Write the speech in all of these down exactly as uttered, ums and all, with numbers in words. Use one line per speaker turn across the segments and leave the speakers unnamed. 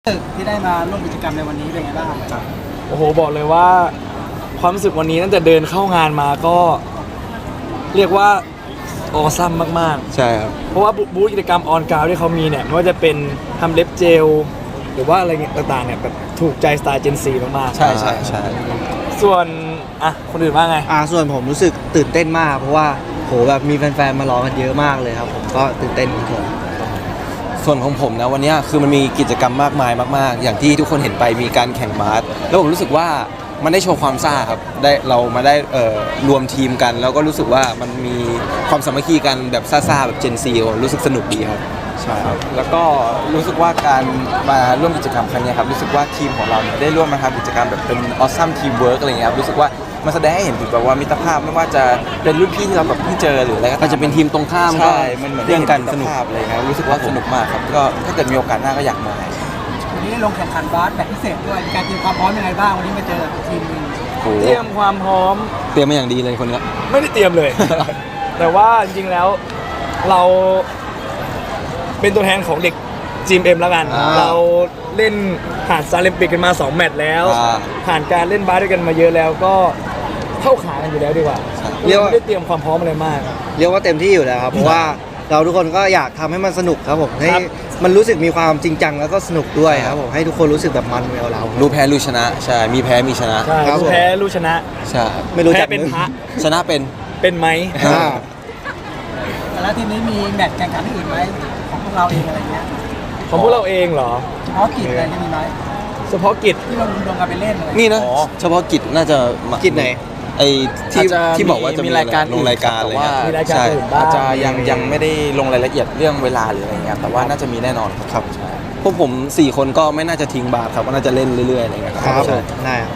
ตึกที่ได้มาร่วมกิจกรรมในวันนี้เป็นไงบ้างครับ
โอ้โหบอกเลยว่าความรู้สึกวันนี้ตั้งแต่เดินเข้างานมาก็ เรียกว่าออซัมมาก
ใช่ครับ
ๆ เพราะว่าบูธกิจกรรมออนกราวที่เขามีเนี่ยไม่ว่าจะเป็นทำเล็บเจล หรือว่าอะไรเงี้ยต่างๆเนี่ยแบบถูกใจสไตล์เจนซีมากๆ
ใช่ใช่ใช่
ส่วนอ่ะคนอื่นว่าไง
อ่าส่วนผมรู้สึกตื่นเต้นมาก เพราะว่าโหแบบมีแฟนๆมารอกันเยอะมากเลยครับผมก็ตื่นเต้นครับผม
ส่วนของผมนะวันนี้คือมันมีกิจกรรมมากมายมากๆ อย่างที่ทุกคนเห็นไปมีการแข่งบาสแล้วผมรู้สึกว่ามันได้โชว์ความซ่าครับได้เรามาได้เอ่อรวมทีมกัน แล้วก็รู้สึกว่ามันมีความสามัคคีกันแบบซ่าๆแบบเจนซีรู้สึกสนุกดีครับใช่ครับ
แล้วก็รู้สึกว่าการมาร่วมกิจกรรมครั้งนี้ครับรู้สึกว่าทีมของเราเนี่ยได้ร่วมมาทำกิจกรรมแบบเป็นออสซัมทีมเวิร์กอะไรเงี้ยครับรู้สึกว่ามันแสดงให้เห็นถึงแบบว่ามิตรภาพไม่ว่าจะเป็นรุ่นพี่ที่เราแบบเพิ่งเจอหรืออะไรก็
ก็จะเป็นทีมตรงข้ามก็
ใช่มันเหมือน
เรื่องกัน
ได้
ส
เห็
นุก
มิตรภาพอะไรเงี้ยรู้สึกว่าสนุกมากครับก็ถ้าเกิดมีโอกาสหน้าก็อยากมา
วันนี้ได้ลงแข่งขันบาสแบบพิเศษด้วยมีการเตรียมความพร้อมยังไงบ้างวันนี้มาเจอกับทีมหนึง
โอ้โห
เตรียมความพร้อม
เตรียมมาอย่างดีเลยคนเนี้ย
ไม่ได้เตรียมเลย แต่ว่าจริงๆแล้วเราเป็นตัวแทนของเด็ก จี เอ็ม แล้วกัน
อ่า
เราเล่นผ่านซาเลมปิกกันมาสองแมตช์แล้ว
อ่า
ผ่านการเล่นบาสด้วยกันมาเยอะแล้วก็เข้าขากันอยู่แล้วดีกว่า
เรียกว่า
ไม่ได้เตรียมความพร้อมอะไรมาก
เรียกว่าเต็มที่อยู่แล้วครับเพราะว่าเราทุกคนก็อยากทำให้มันสนุกครับผมให้
ครับ
มันรู้สึกมีความจริงจังแล้วก็สนุกด้วยครับผมให้ทุกคนรู้สึกแบบมันกับเรา
รู้แพ้รู้ชนะใช่มีแพ้มีชนะ
ใช่
ครับ
รู้แพ้รู้ชนะ
ใช่
ไม่รู้
แพ้
จัก
เป็นพระ
ชนะเป็น
เป็นไหม
อ่า
แต่ละทีมนี้มีแมตช์แข่งขันอื่นไหมของพวกเราเองอะไรเงี้ย
ของพวกเราเองเหรอ
เฉพาะกิจอะไรที่มีไหม
เฉพาะกิจ
ที่เราลงกันไปเล่นอะไร
นี่นะ
อ๋อ
เฉพาะกิจน่าจะมา
กิจไหน
ไอ้ที่
อาจจะ
ที่บอกว่าจะมี
มีรายการ
ลงรายการอะไร
แต่ว่า
เงี้ย
มีรายการ
ใช่
อื่นบ้าง
อาจจะยังยังไม่ได้ลงรายละเอียดเรื่องเวลาหรืออะไรเงี้ยแต่ว่าน่าจะมีแน่นอนครับใช่
พวกผมสี่คนก็ไม่น่าจะทิ้งบาสครับก็น่าจะเล่นเรื่อยๆอะไรเงี้ย
ครับผ
ใช่
มได้ครับ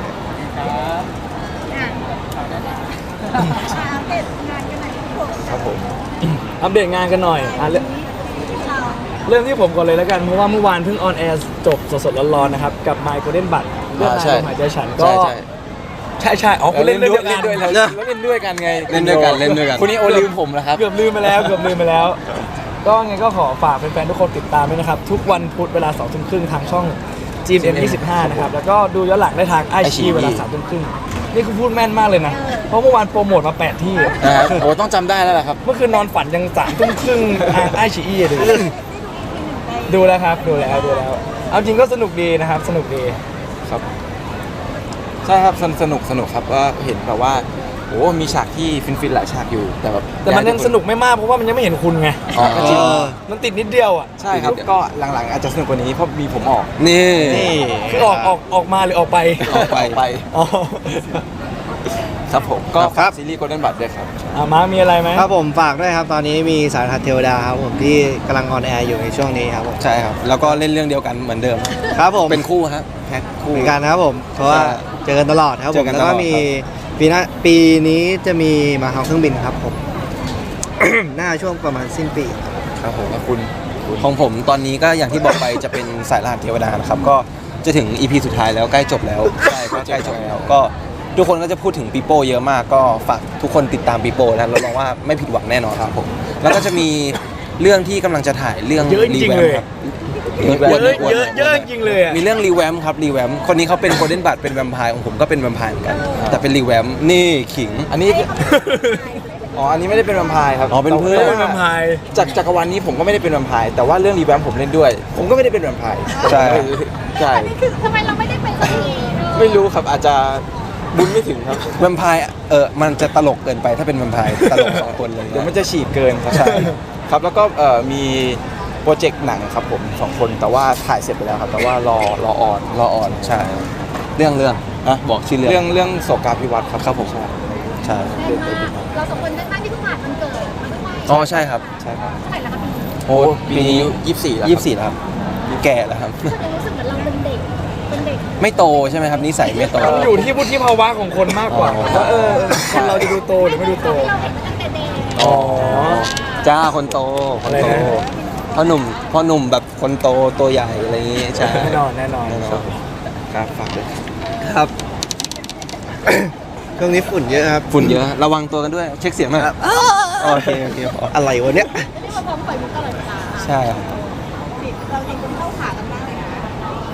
ครับผม อัปเดตงานกันหน่อยอ่ะเริ่มเริ่มที่ผมก่อนเลยแล้วกัน เพราะว่าเมื่อวานเพิ่งออนแอร์จบสดๆร้อนๆนะครับ กับ My Golden Bud เรื่อง
อ่าใช่
นายลมหายใจฉันก็
ใช่ใช่
ใช่ใช่อ๋อคุณเล่นด้วยกัน
เล่นด้วยเราเล่นด้วยกันไง
เล่นด้วยกันเล่นด้วยกัน
คุณนี่โอลืมผมแล้วครับ
เกือบลืมไปแล้วเกือบลืมไปแล้ว ก็ไงก็ขอฝากแฟนๆทุกคนติดตามด้วยนะครับ ทุกวันพุธเวลาสองทุ่มครึ่งทางช่อง จี เอ็ม ยี่สิบห้า นะครับ แล้วก็ดูย้อนหลังได้ทางไอชี
iQIYI
เวลาสามทุ่มครึ่งนี่คุณพูดแม่นมากเลยนะ เพราะเมื่อวานโปรโมทมาแปดที่
นะครับโอ้ต้องจำได้แล้วแหละครับ
เมื่อคืนนอนฝันยังสามทุ่มครึ่งทางไอชีอีดูดูแล้วครับดูแล้วดูแล้ว เอาจริงก็สนุกดีนะครับ สนุกดี
ครับใช่ครับสนสนุกสนุกครับก็เห็นแบบว่าโอ้มีฉากที่ฟินๆหลายฉากอยู่แต่แบบ
แต่มันยังสนุกไม่มากเพราะว่ามันยังไม่เห็นคุณไง
อ๋อก็จริง
มันติดนิดเดียวอ่ะ
ใช่ครับก็หลังๆอาจจะสนุกกว่านี้เพราะมีผมออก
นี่
นี่
คือออกออกออกมาหรือออกไป
ออกไปไป
อ๋อ
ครับผมก็
ครั
ฝาก
บ
ซีรีส์ Golden Bud ด้วยครับ
อ่ะมาร์คมีอะไรไหม
ครับผมฝากด้วยครับตอนนี้มีสายทัดเทวดาครับผมที่กำลังออนแอร์อยู่ในช่วงนี้ครับผม
ใช่ครับ แล้วก็เล่นเรื่องเดียวกันเหมือนเดิม
ครับผม
เป็นคู่ครับแพ็คคู่
เหมือนกันนะครับผมเพราะว่า
ใช่
เจอกันตลอดครับ
เจ
ผ
อ
ม
กัน
แล้วก็
ตลอด
มี
ครับ
ปีหน้าปีนี้จะมีมาเฮาเครื่องบินครับผม หน้าช่วงประมาณสิ้นปี
ครับผม
แล้วคุณ
ของผมตอนนี้ก็อย่างที่บอกไปจะเป็นสายรหัสเทวดานะครับ ก็จะถึง อี พี สุดท้ายแล้วใกล้จบแล้ว ใช่ก็ใกล้จบแล้ว ก็ทุกคนก็จะพูดถึงปีโป้เยอะมาก ก็ฝากทุกคนติดตามปีโป้นะรับรองว่าไม่ผิดหวังแน่นอนครับผม แล้วก็จะมีเรื่องที่กำลังจะถ่ายเรื่อง
เยอะจริงๆเลย
ครับ
เยอะเยอะเยอะจริงๆเลยอ่ะ
มีเรื่องรีแวมครับรีแวมคนนี้เขาเป็นโกลเด้นบัตเป็นแวมไพร์ของผมก็เป็นแวมไพร์เหมือนกัน แต่เป็นรีแวมนี่ขิง
อันนี้อ๋ออันนี้ไม่ได้เป็นแวมไพร์ครับ
อ๋อเป็นเพื่อน
เป็นแวมไพร์
จากจักรวาลนี้ผมก็ไม่ได้เป็นแวมไพร์แต่ว่าเรื่องรีแวมผมเล่นด้วย ผมก็ไม่ได้เป็นแวมไพร์
ใช่
ใช่
อันนี้คือทำไมเราไม่ได้เป็นสักทีเออ
ไม่รู้ครับอาจจะบุญไม่ถึงครับ
แวมไพร์เออมันจะตลกเกินไปถ้าเป็นแวมไพร์ตลกสองคนเลย
เดี๋ยวมันจะฉีกเกินครับใช่ครับแล้วก็เอ่อมีโปรเจกต์หนังครับผมสองคนแต่ว่าถ่ายเสร็จไปแล้วครับ แต่ว่ารอรอออน
รออ่อนใช่ เรื่องเรื่องอะบอกชื่อเรื่อง
เรื่องเรื่องโศกาภิวัตน์ครับ
ครับผม
ใช่
ใช่
แน่นมากเราสองคนได้ตั้งที่เพิ่งผ่านวันเกิดมาด้วย
อ๋อใช่ครับ
ใช่ครับ
เท่าไหร่แล้วครับ
โอ้
ปีนี้ยี่สิบสี่แล้ว
ยี่สิบสี่แล้วครับแก่แล้วครับ
พี่ก็เลยรู้สึกเหมือนเราเป็นเด็กเป็นเด็ก
ไม่โตใช่ไหมครับนิสัยไม่โต
มันอยู่ที่วุฒิภาวะของคนมากกว่า
อ๋อ
ว่าเออคนเราจะดูโตหรือไม่ดูโต
ที่เราเห็นมาตั้งแต่เด็ก
อ๋อ
จ้าคนโตคนโต
อะไรนะ
พ่อหนุ่มพ่อหนุ่มแบบคนโตตัวใหญ่อะไรอย่างงี้ใช่
แน่นอนแน่นอน
แน่นอน
ครับฝากด้วย
ครับ ช่วงนี้ฝุ่นเยอะครับ
ฝุ่นเยอะระวังตัวกันด้วยเช็คเสียงหน่อยครับโอเคโอเคพอ
อะไรวะเนี่ย
ที่เราพร้อมปล่อยมุกตลอดเวลา
ใช่ครับ
เราเองคนเข้าขากันมากเลยนะ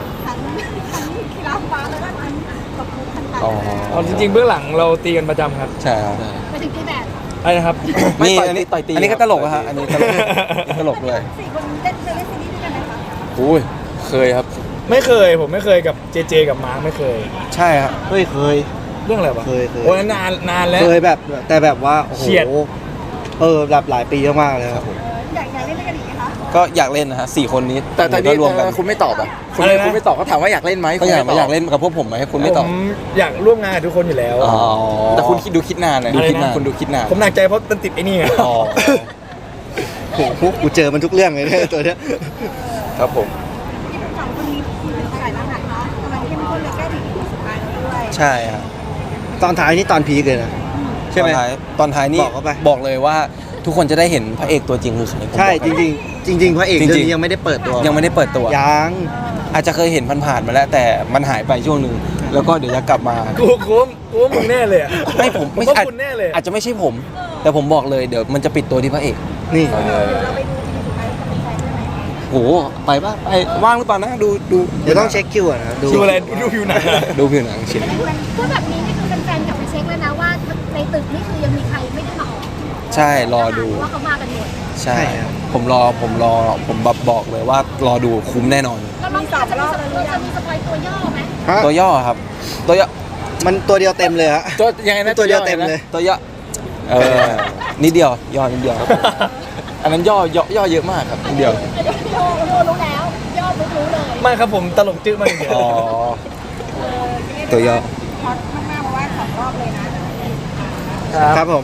กีฬาฟ้าแล้วก็ทั้งกับมุกทั้งหลาย
อ๋อ
เอาจริงๆเบื้องหลังเราตีกันประจำครับ
ใช่ครับ
ไปถึงที่แบบ
อะไรนะครับ
ไม่
นี่
ต่อย
อันนี้
ต่อยตี
อันนี้ก็
ครับ
ตลกอะฮะอันนี้ตลกนี่ตลกด้วย
สี่คนเล่นเคยเล่นซีรีส์ด้วยกันไหมคะ
อุ้ยเคยครับ
ไม่เคยผมไม่เคยกับเจเจกับมาร์คไม่เคย
ใช่ครับ
เฮ้ยเคย
เรื่องอะไรวะ
เคยเคย
โอ้ยนานนานแล้ว
เคยแบบแต่แบบว่าโอ้โห
เฉียด
เออแบบหลายปีมากๆเลยครับ
อยากอยากเล่นด้วยกันอีกไหมคะ
ก็อยากเล่นนะฮะสี่คนนี้
แต่แต่
ก็
นี่
รวมกัน
คุณไม่ตอบอ่ะคุณ
อะไรนะ
คุณไม่ตอบเขาถามว่าอยากเล่นไหม
ก็อยาก
คุณ
มา
ไม่ตบ
อยากเล่นกับพวกผมไหมคุณไม่ตอบ
ผมอยากร่วมงานกับทุกคนอยู่แล้ว
อ๋อ
แต่คุณคิดดูคิดนานนะ
อะไรนะ
ดูคิดนานคุณดูคิดนาน
ผมหนักใจเพราะมันติดไอ้นี่ไง
อ๋อ
โอ้โหกูเจอมันทุกเรื่องเลยเนี่ยตัวเนี้ย
ครับผม
ที่ทั้งสองคนนี้มีเป็นสายทหารเนาะกำลังเข้มข้นเลยใกล้ถึงอีพีสุดท้ายแล้วด้วย
ใช่ครับ
ตอนท้ายนี่ตอนพีคเลยนะ ใช่ไหม
ตอนท้ายตอนท้ายนี่
บอกเข้าไป
บอกเลยว่าทุกคนจะได้เห็นพระเอกตัวจริงคือใครผม
ใช่
บอก
จริงๆ จริง ๆ พระเอก
จริงๆ
เรื่องนี้ยังไม่ได้เปิดตัว
ยังไม่ได้เปิดตัว
ยัง
อาจจะเคยเห็นผ่านๆมาแล้วแต่มันหายไปช่วงหนึ่งแล้วก็เดี๋ยวจะกลับมา
กูกูว่ากูว่ามึงแน่เลยอะ
ไม่ผม
ไม่
ไม่
ใช่
อาจ
คุณแน่เลยอะ
อาจจะไม่ใช่ผม แต่ผมบอกเลยเดี๋ยวมันจะปิดตัวที่พระเอก
นี่
เราไปดูอีพีสุดท้ายกับแฟนได้ไหม
โหไปป่ะไปว่างหรือเปล่านะดูดู
เดี๋ยวต้องเช็คคิวก่อนนะดู
ดูอะไรดูผิวหนังอะ
ดูผิวหนังชิ้น
พูดแบบนี้นี่คือแฟนๆกลับไปเช็คเลยนะว่าในตึกนี่คือยังมีใครไม่ได้มาออก
ใช่รอดู
ว่าเขามากันหมด
ใช่ ผมรอผมรอผมแบบบอกเลยว่ารอดูคุ้มแน่นอน
แล้วน้องสาวจะมีสปอยจะมีสปอยตัวย่อไหม
ฮะ
ตัวย่อครับ ตัวย่อ
มันตัวเดียวเต็มเลยฮะ
ตัวยังไงนะ
ตัวเดียวเต็มเลย
ตัวย่อเออนิดเดียวย่อนิดเดียวครับ
อันนั้นย่อย่อย่อเยอะมากครับ
นิดเดียว
เดี๋ยวโยโยรู้แล้ว ย่อรู้รู้เลย
ไม่ครับผมตลกจื้อมากเดียว
อ๋อตัวย่อ
ฮอตมากๆเพราะว่าสองรอบเลยนะ
ครับผม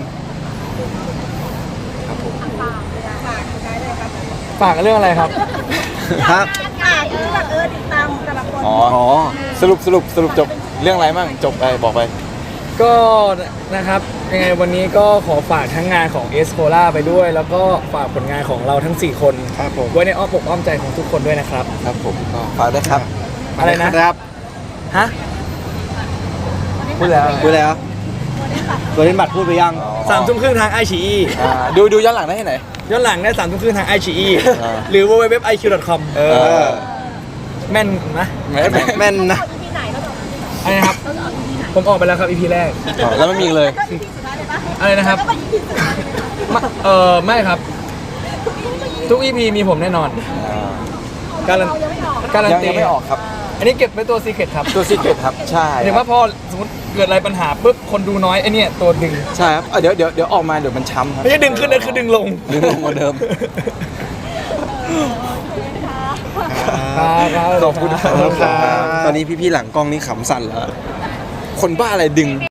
ฝากฝากได้เลยครับ
ฝากเรื่องอะไรครับ
ครับ
อ่าที่แบบเออติดตามแต่ละคน
อ๋อ
อ๋อ
สรุปสรุปสรุปจบเรื่องอะไรมั่งจบไปบอกไป
ก็นะครับยังไงวันนี้ก็ขอฝากทั้งงานของเอสโคล่าไปด้วย แล้วก็ฝากผลงานของเราทั้งสี่คน
ครับผม
ไว้ในอ้อมอกอ้อมใจของทุกคนด้วยนะครับ
ครับผมก็ฝากด้วยครับ
อะไรนะ
ครับ
ฮะ
พูดแล้ว
พูดแล้ว ตัวเล่นบัตรพูดไปยัง
สามทุ่มครึ่งทางไอชี
อ่าดูดูย้อนหลังได้ที่ไหน
ย้อนหลังได้สามทุ่มครึ่งทางไอชี
อ่า
หรือ ดับเบิลยู ดับเบิลยู ดับเบิลยู ดอท ไอ คิว ดอท คอม
เอ
เอ
อ
อ
แม่นนะ
แม่แม่
แม่นนะ
อีพีไหนเราจะออกอีพีไหน
อะไรนะครับ
เราจะออกอีพีไหน
ผมออกไปแล้วครับ อี พี แรก
อ๋อแล้วไม่มีอีกเลย
ก็อีพีสุดท้ายเลยปะ
อะไรนะครับ
แล้วก็อีพีสุดท้ายเลยปะ
ไม่เออไม่ครับ ทุก อี พี มีผมแน่นอน การัน
เรายังไม่ออก
การัน
ยัง
ตี
ยังไม่ออกครับ
อันนี้เก็บไว้ตัวซีเคร็ตครับ
ตัวซีเกตครับ ใช่
หมายถึงว่าพอสมมติเกิดอะไรปัญหาปุ๊บคนดูน้อยไอเนี่ยตัวดึง
ใช่ครับเอ้ยเดี๋ยวเดี๋ยวเดี๋ยวออกมาเดี๋ยวมันช้ำครับ
ไม่ใช่ดึงขึ้นนะคือดึงลง
ดึงลงกว่าเดิม
ครับ
ขอบคุณครับ
ขอบคุณครับ
ตอนนี้พี่ๆหลังกล้องนี่ขำสั่นแล้ว
คนบ้าอะไรดึง